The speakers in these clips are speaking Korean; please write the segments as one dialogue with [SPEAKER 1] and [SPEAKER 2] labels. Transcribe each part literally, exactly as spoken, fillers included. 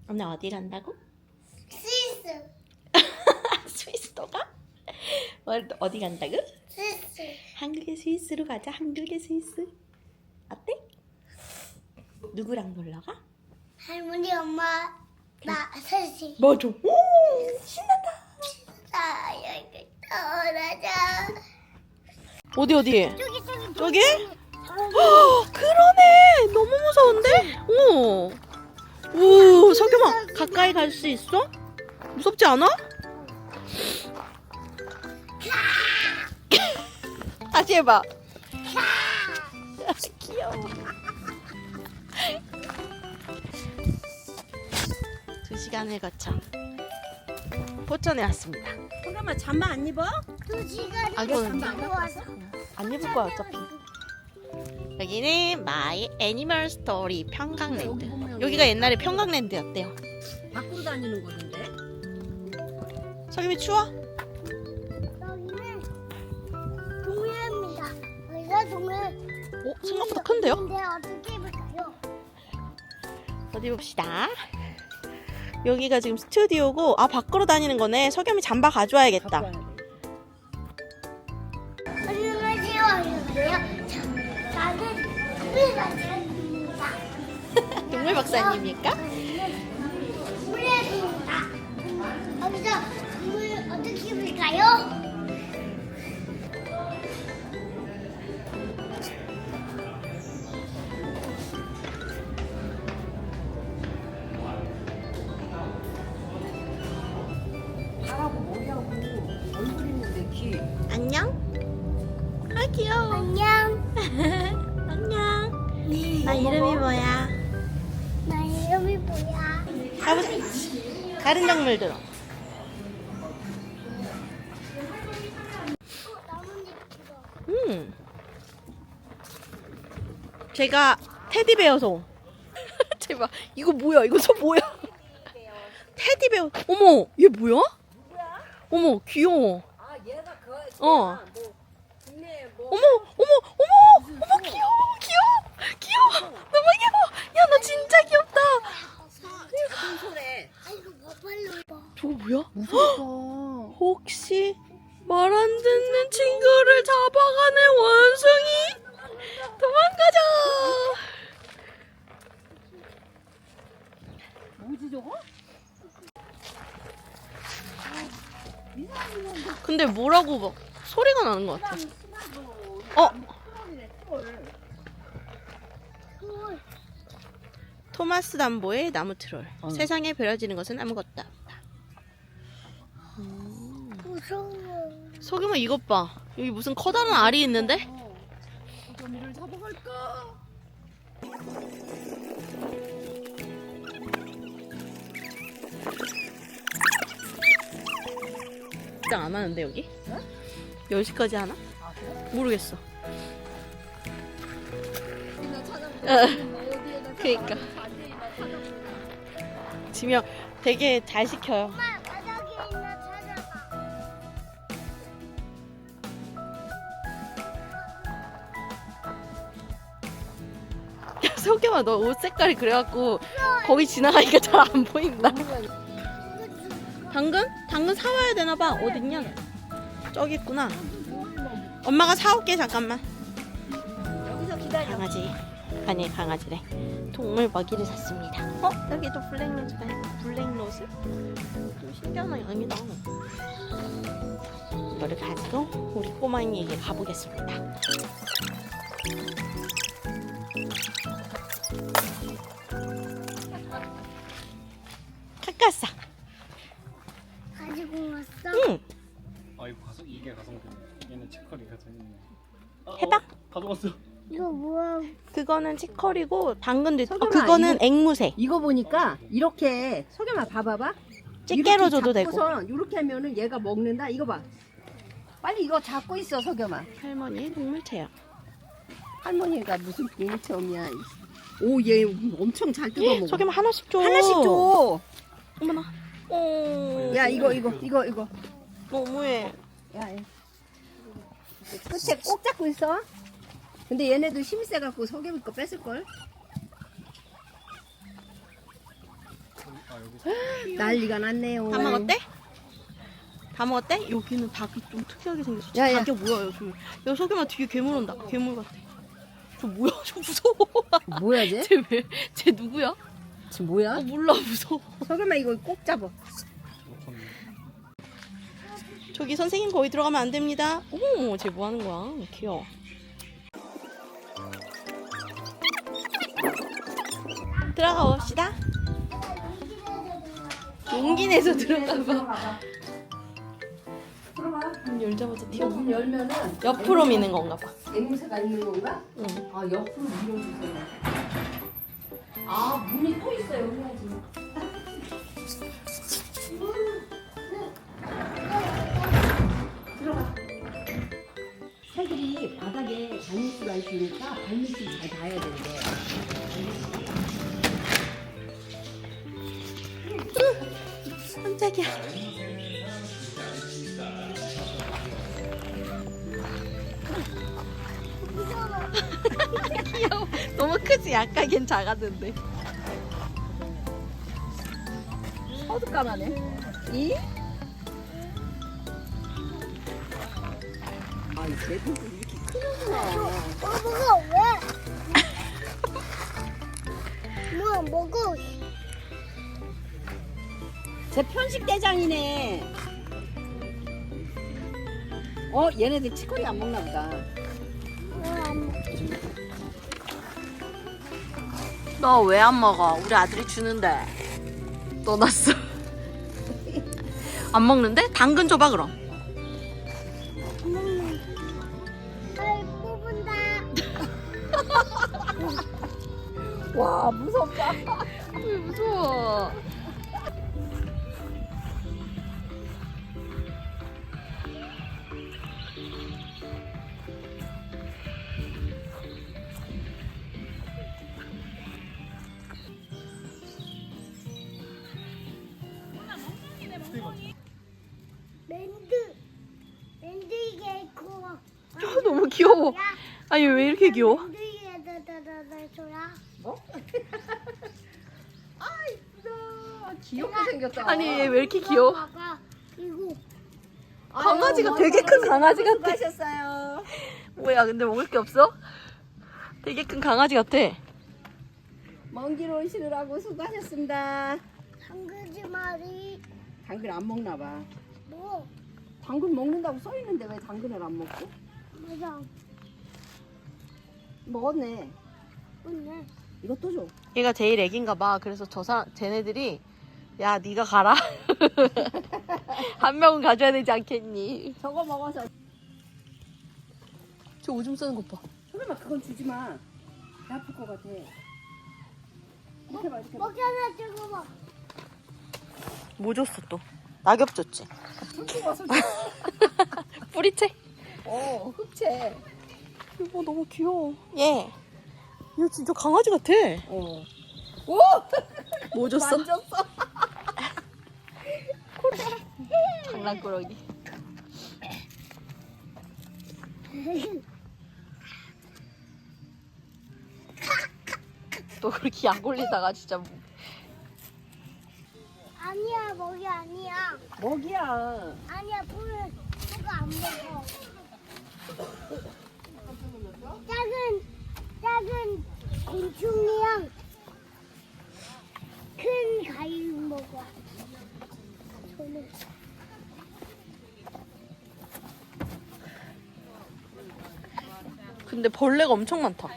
[SPEAKER 1] 오늘 어디 간다고?
[SPEAKER 2] 스위스.
[SPEAKER 1] 스위스도 가? 오늘 또 어디 간다고?
[SPEAKER 2] 스위스.
[SPEAKER 1] 한국의 스위스로 가자. 한국의 스위스. 어때? 누구랑 놀러 가?
[SPEAKER 2] 할머니, 엄마, 나 셋이.
[SPEAKER 1] 맞아. 오, 신난다.
[SPEAKER 2] 나 여기 떠나자.
[SPEAKER 1] 어디 어디?
[SPEAKER 2] 저기 저기
[SPEAKER 1] 저기? 헉, 그러네. 너무 무서운데? 오. 오, 석유마 가까이 갈 수 있어? 무섭지 않아? 다시 해봐. 귀여워. 두 시간을 거쳐 포천에 왔습니다.
[SPEAKER 3] 잠깐만 잠바 안 입어?
[SPEAKER 2] 두 시간이
[SPEAKER 1] 아, 이거는
[SPEAKER 2] 와서.
[SPEAKER 1] 안 입을 거야 어차피. 여기는 마이 애니멀 스토리 평강랜드. 여기가 옛날에 평강랜드였대요.
[SPEAKER 3] 밖으로 다니는 곳인데.
[SPEAKER 1] 석유미 추워?
[SPEAKER 2] 여기는 동해입니다. 여기가 동해.
[SPEAKER 1] 어? 생각보다 큰데요?
[SPEAKER 2] 근데 어떻게 입을까요?
[SPEAKER 1] 어디 봅시다. 여기가 지금 스튜디오고, 아 밖으로 다니는 거네. 석유미 잠바 가져와야겠다.
[SPEAKER 2] 안녕하세요. 안녕하세요. 자, 나는 동물 박사입니다.
[SPEAKER 1] 동물 박사님입니까?
[SPEAKER 2] 동물입니다. 여기서 동물 어떻게 입을까요?
[SPEAKER 3] 발하고 머리하고 얼굴 있는데 귀.
[SPEAKER 1] 안녕. 아 귀여워.
[SPEAKER 2] 안녕.
[SPEAKER 1] 안녕. 나 이름이 뭐야?
[SPEAKER 2] 나 이름이 뭐야?
[SPEAKER 1] 가보자. 다른 동물 들어.
[SPEAKER 2] 어, 나뭇잎 들어.
[SPEAKER 1] 음. 제가 테디베어 소. 제발 이거 뭐야? 이거 소 뭐야? 테디베어. 어머, 얘 뭐야? 어머, 귀여워.
[SPEAKER 3] 아 얘가 그.
[SPEAKER 1] 어.
[SPEAKER 3] 뭐 국내 뭐.
[SPEAKER 1] 어머, 어머, 어머, 어머, 귀여워, 귀여워, 귀여워. 너무 귀여워. 야, 너 진짜 귀엽다.
[SPEAKER 3] 작은 소래.
[SPEAKER 2] 아이고, 뭐발로 봐.
[SPEAKER 1] 저거 뭐야?
[SPEAKER 3] 무섭다.
[SPEAKER 1] 혹시 말 안 듣는 친구를 잡아가는 원숭이? 도망가자.
[SPEAKER 3] 뭐지 저거?
[SPEAKER 1] 근데 뭐라고 막 소리가 나는 것 같아. 어?
[SPEAKER 2] 헐.
[SPEAKER 1] 토마스 담보의 나무 트롤.
[SPEAKER 3] 어.
[SPEAKER 1] 세상에 버려지는 것은 아무것도 없다.
[SPEAKER 2] 무서워.
[SPEAKER 1] 석유마 이것 봐. 여기 무슨 커다란 알이 있는데?
[SPEAKER 3] 거미를 잡아갈까?
[SPEAKER 1] 진짜 안 하는데 여기?
[SPEAKER 3] 어?
[SPEAKER 1] 열 시까지 하나?
[SPEAKER 3] 아 그래?
[SPEAKER 1] 모르겠어.
[SPEAKER 3] 나 찾아보고.
[SPEAKER 1] 어.
[SPEAKER 3] 어디에다
[SPEAKER 1] 그러니까.
[SPEAKER 3] 반대에다 찾아보고.
[SPEAKER 1] 지명 되게 잘 시켜요.
[SPEAKER 2] 엄마, 바닥에 있나 찾아봐.
[SPEAKER 1] 야, 석유마 너 옷 색깔이 그래갖고 거기 지나가니까 잘 안 보인다. 당근? 당근 사와야 되나봐. 어딨냐? 저기 있구나. 엄마가 사올게 잠깐만.
[SPEAKER 3] 여기서 기다려.
[SPEAKER 1] 강아지. 아니 강아지래. 동물 먹이를 샀습니다. 어? 여기도 블랙로즈가 있고. 블랙로즈? 좀 신기한 양이다. 이거를 가지고 우리 꼬마이에게 가보겠습니다. 카카사.
[SPEAKER 2] 가지고 왔어?
[SPEAKER 1] 응.
[SPEAKER 4] 아 이거 가성 이게 가성비네. 얘는 치커리가 재밌네. 아,
[SPEAKER 1] 해봐.
[SPEAKER 4] 어, 가져왔어.
[SPEAKER 2] 이거 뭐야?
[SPEAKER 1] 그거는 치커리고 당근도 있어. 아,
[SPEAKER 3] 석유마,
[SPEAKER 1] 그거는
[SPEAKER 3] 이거-
[SPEAKER 1] 앵무새.
[SPEAKER 3] 이거 보니까 이렇게 석유마 봐봐봐.
[SPEAKER 1] 집게로 줘도 되고.
[SPEAKER 3] 이렇게 하면은 얘가 먹는다. 이거 봐. 빨리 이거 잡고 있어 석유마.
[SPEAKER 1] 할머니의 동물 체험.
[SPEAKER 3] 할머니가 무슨 동물 체험이야. 오 얘 엄청 잘 뜯어먹어.
[SPEAKER 1] 저기만 하나씩 줘.
[SPEAKER 3] 하나씩 줘.
[SPEAKER 1] 어머나. 어.
[SPEAKER 3] 야 이거 이거 이거 이거.
[SPEAKER 1] 너무해.
[SPEAKER 3] 야 얘. 끝에 꼭 잡고 있어. 근데 얘네도 힘이 세갖고 석유미 거 뺏을걸?
[SPEAKER 4] 아 아 여기
[SPEAKER 3] 난리가 났네요.
[SPEAKER 1] 다 먹었대? 다 먹었대? 여기는 닭이 좀 특이하게 생겼어.
[SPEAKER 3] 야, 야.
[SPEAKER 1] 닭이 뭐야, 여기. 야, 석유만 뒤에 괴물 온다. 괴물 같아. 저 뭐야? 저 무서워.
[SPEAKER 3] 뭐야 쟤?
[SPEAKER 1] 쟤 왜? 쟤 누구야?
[SPEAKER 3] 지금 뭐야?
[SPEAKER 1] 어, 몰라, 무서워.
[SPEAKER 3] 석유만 이거 꼭 잡아.
[SPEAKER 1] 저기 선생님 거기 들어가면 안 됩니다. 어머, 쟤 뭐 하는 거야? 귀여워. 들어가 봅시다. 용기 내서 들어가 봐.
[SPEAKER 3] 들어가.
[SPEAKER 1] 문 열자마자 튀어.
[SPEAKER 3] 문 열면은
[SPEAKER 1] 옆으로 미는 건가 봐.
[SPEAKER 3] 앵무새가 있는 건가?
[SPEAKER 1] 응.
[SPEAKER 3] 아 옆으로 밀어주세요. 아 문이 또 있어요. 해야지. 들어가. 새들이 바닥에 발밑수가 있으니까 발밑수 잘 닿아야 된대.
[SPEAKER 1] 깜짝이야. 귀여워. 너무 크지? 약간 걘 작았는데.
[SPEAKER 3] 어둑까마네. 이? 아, 이 개들도 이렇게 크구나.
[SPEAKER 2] 어, 먹어, 왜? 뭐야, 먹어.
[SPEAKER 3] 제 편식 대장이네. 어, 얘네들 치코리 안 먹나 보다.
[SPEAKER 2] 왜안 먹어?
[SPEAKER 1] 너 왜 안 먹어? 우리 아들이 주는데. 떠났어. 안 먹는데? 당근 줘봐 그럼.
[SPEAKER 2] 아이, 뽑은다.
[SPEAKER 3] 와, 무섭다.
[SPEAKER 1] 왜 무서워?
[SPEAKER 2] 랜드. 랜드 이게 커.
[SPEAKER 1] 저 너무 귀여워. 아니 왜 이렇게 귀여워?
[SPEAKER 2] 랜드 이게 다다다다 줘야.
[SPEAKER 3] 뭐? 아, 이쁘다. 귀엽게 생겼다.
[SPEAKER 1] 아니 얘 왜 이렇게 귀여워?
[SPEAKER 2] 봐봐. 이거.
[SPEAKER 1] 강아지가 되게 큰 강아지 같아.
[SPEAKER 3] 수고하셨어요.
[SPEAKER 1] 뭐야 근데 먹을 게 없어? 되게 큰 강아지 같아.
[SPEAKER 3] 먼 길 오시느라고 수고하셨습니다.
[SPEAKER 2] 당근지 말이.
[SPEAKER 3] 당근 안 먹나 봐.
[SPEAKER 2] 뭐?
[SPEAKER 3] 당근 먹는다고 써 있는데 왜 당근을 안 먹지?
[SPEAKER 2] 맞아.
[SPEAKER 3] 먹었네.
[SPEAKER 2] 맞네.
[SPEAKER 3] 이것도 줘.
[SPEAKER 1] 얘가 제일 애긴가 봐. 그래서 저 사, 쟤네들이 야 네가 가라. 한 명은 가져야 되지 않겠니?
[SPEAKER 3] 저거 먹어서.
[SPEAKER 1] 저 오줌 싸는 것 봐.
[SPEAKER 3] 설마 그건 주지 마. 배 아플 것 같아. 이렇게 봐, 이렇게 봐.
[SPEAKER 2] 먹잖아, 저거 봐.
[SPEAKER 1] 뭐 줬어 또? 낙엽 줬지?
[SPEAKER 3] 흙집어서
[SPEAKER 1] 뿌리채?
[SPEAKER 3] 어, 흑채.
[SPEAKER 1] 이거 너무 귀여워. 얘. 얘 진짜 강아지 같아.
[SPEAKER 3] 어. 오!
[SPEAKER 1] 뭐 줬어?
[SPEAKER 3] 만졌어.
[SPEAKER 1] 장난꾸러기. 또 그렇게 약 올리다가 진짜 뭐.
[SPEAKER 2] 아니야, 먹이 아니야.
[SPEAKER 3] 먹이야.
[SPEAKER 2] 아니야, 풀, 그거 안 먹어. 작은, 작은 곤충이랑 큰 가위 먹어. 저는.
[SPEAKER 1] 근데 벌레가 엄청 많다.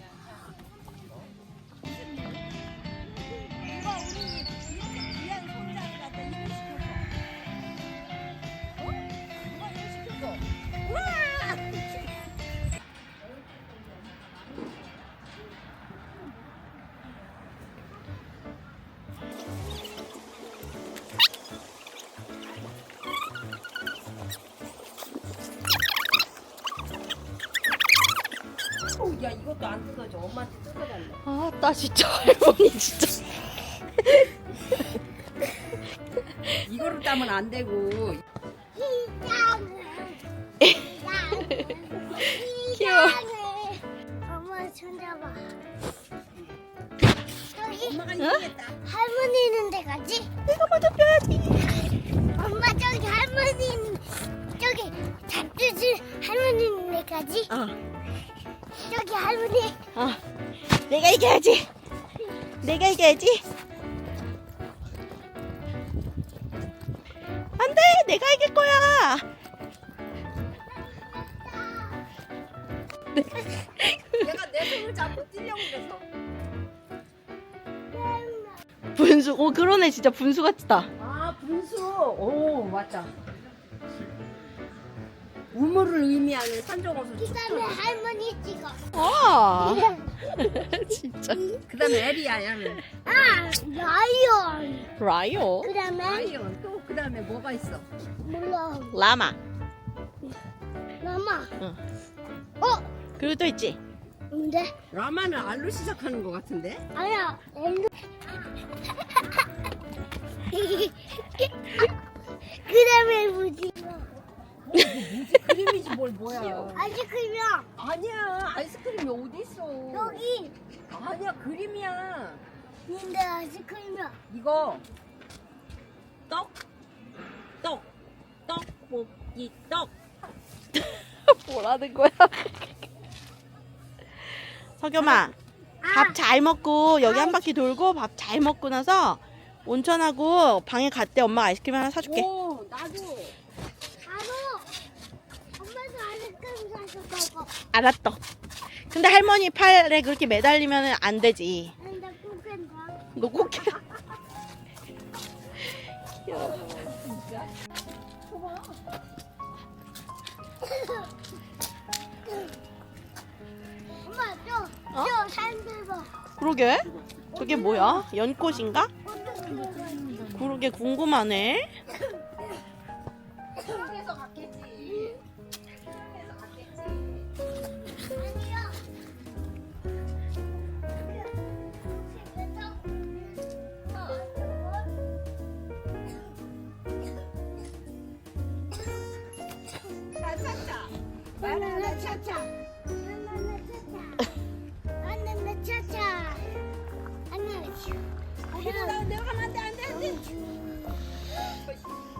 [SPEAKER 3] 야, 이것도 안 뜯어져. 엄마한테 뜯어달래.
[SPEAKER 1] 아, 나 진짜 할머니 진짜.
[SPEAKER 3] 이거를 따면 안 되고.
[SPEAKER 1] 귀여워.
[SPEAKER 2] 엄마 손 잡아. 저기
[SPEAKER 3] 엄마가 이기겠다.
[SPEAKER 2] 할머니 있는 데 가지?
[SPEAKER 1] 내가 먼저 빼야지.
[SPEAKER 2] 엄마 저기 할머니 있는 저기 잡주줄 할머니 있는 데 가지?
[SPEAKER 1] 어,
[SPEAKER 2] 저기 할머니
[SPEAKER 1] 어. 내가 이겨야지. 내가 이겨야지. 안 돼. 내가 이길 거야.
[SPEAKER 3] 내가 내 손을 잡고 뛰려고 그래서.
[SPEAKER 1] 분수. 오, 그러네. 진짜 분수 같다.
[SPEAKER 3] 아 분수. 오 맞다. 우물을 의미하는 산정어선.
[SPEAKER 2] 그다음에 할머니 찍어.
[SPEAKER 1] 아. 진짜.
[SPEAKER 3] 그다음에 에리야 야는.
[SPEAKER 2] 아 라이언.
[SPEAKER 1] 라이오.
[SPEAKER 2] 그다음에
[SPEAKER 3] 아이언 또 그다음에 뭐가 있어?
[SPEAKER 2] 몰라
[SPEAKER 1] 라마.
[SPEAKER 2] 마마.
[SPEAKER 1] 응.
[SPEAKER 2] 어
[SPEAKER 1] 그리고 또 있지.
[SPEAKER 2] 근데
[SPEAKER 3] 라마는 알로 시작하는 것 같은데?
[SPEAKER 2] 아니야 엘루. 그다음에 뭐지?
[SPEAKER 3] 그림이지 뭘 뭐야?
[SPEAKER 2] 아이스크림이야.
[SPEAKER 3] 아니야 아이스크림이 어디 있어?
[SPEAKER 2] 여기
[SPEAKER 3] 아니야 그림이야.
[SPEAKER 2] 근데 아이스크림이야.
[SPEAKER 3] 이거
[SPEAKER 1] 떡. 떡. 떡볶이 떡. 뭐라는 거야? 석염아, 밥 잘 먹고 여기 한 바퀴 돌고 밥 잘 먹고 나서 온천하고 방에 갔대. 엄마가 아이스크림 하나 사줄게.
[SPEAKER 3] 오 나도.
[SPEAKER 2] 바로 엄마도 아이스크림 사서 먹어.
[SPEAKER 1] 알았어. 근데 할머니 팔에 그렇게 매달리면 안 되지.
[SPEAKER 2] 근데 꼬깬다.
[SPEAKER 1] 너 꼭 해.
[SPEAKER 2] 엄마 저,
[SPEAKER 1] 어?
[SPEAKER 2] 저 사람들 봐.
[SPEAKER 1] 그러게. 저게 뭐야? 연꽃인가?
[SPEAKER 2] 어떻게 들어가지?
[SPEAKER 1] 그러게 궁금하네.
[SPEAKER 3] 수영해서 갔겠지. 수영해서 갔겠지.
[SPEAKER 2] 아니야.
[SPEAKER 3] 차차차.
[SPEAKER 2] 바나나 차차. 바나나 차차. 바나나 차차. 바나나 차차.
[SPEAKER 3] 거기로 나 내가 가면 안 돼, 안 돼, 안 돼.